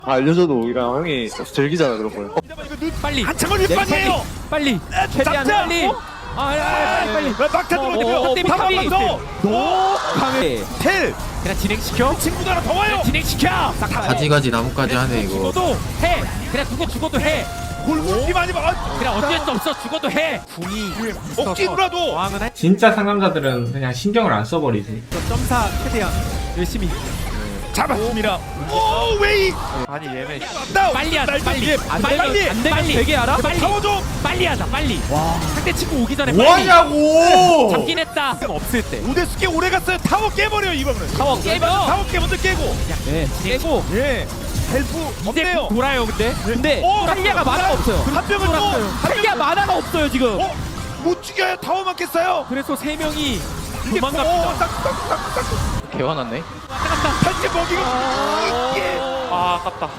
다 알려줘도 오히려 형이 즐기잖아 그런 걸. 빨리 한창을 윗방이에요. 빨리 최대한 잡자. 빨리 빨리 막타 들어오고 어, 바로 탑이 더. 너 강해 텔 그냥 진행시켜 친구도 하나 더 와요. 진행시켜 가지가지 나뭇가지 하네 이거. 죽어도 해 그냥 누구 죽어도 해 골골이 많이 봐. 그냥 어쩔 수 없어 죽어도 해 궁이 억지로라도. 저항은 해 진짜 상남자들은 그냥 신경을 안 써버리지. 점사 최대한 열심히 잡았습니다. 오 웨이. 아니 얘네 다운. 빨리 하자 빨리 안 빨리. 되면 안 되면 되게 알아? 빨리 잡아줘. 빨리 하자 빨리 상대 친구 오기 전에 빨리 뭐하냐고! 잡긴 했다 없을 때 우대수께 오래 갔어요. 타워 깨버려 이번은. 타워 깨면 타워 깨 먼저 깨고. 네 깨고 예. 헬프 이제 없네요. 돌아요 근데 오, 탈리아가 만화가 없어요 한 명은 또. 탈리아 만화가 없어요 지금 못 죽여요. 타워만 깼어요. 그래서 세 명이 이게 도망갑니다 딱딱딱딱. 개화났네. 탈지 먹이고. 아 아깝다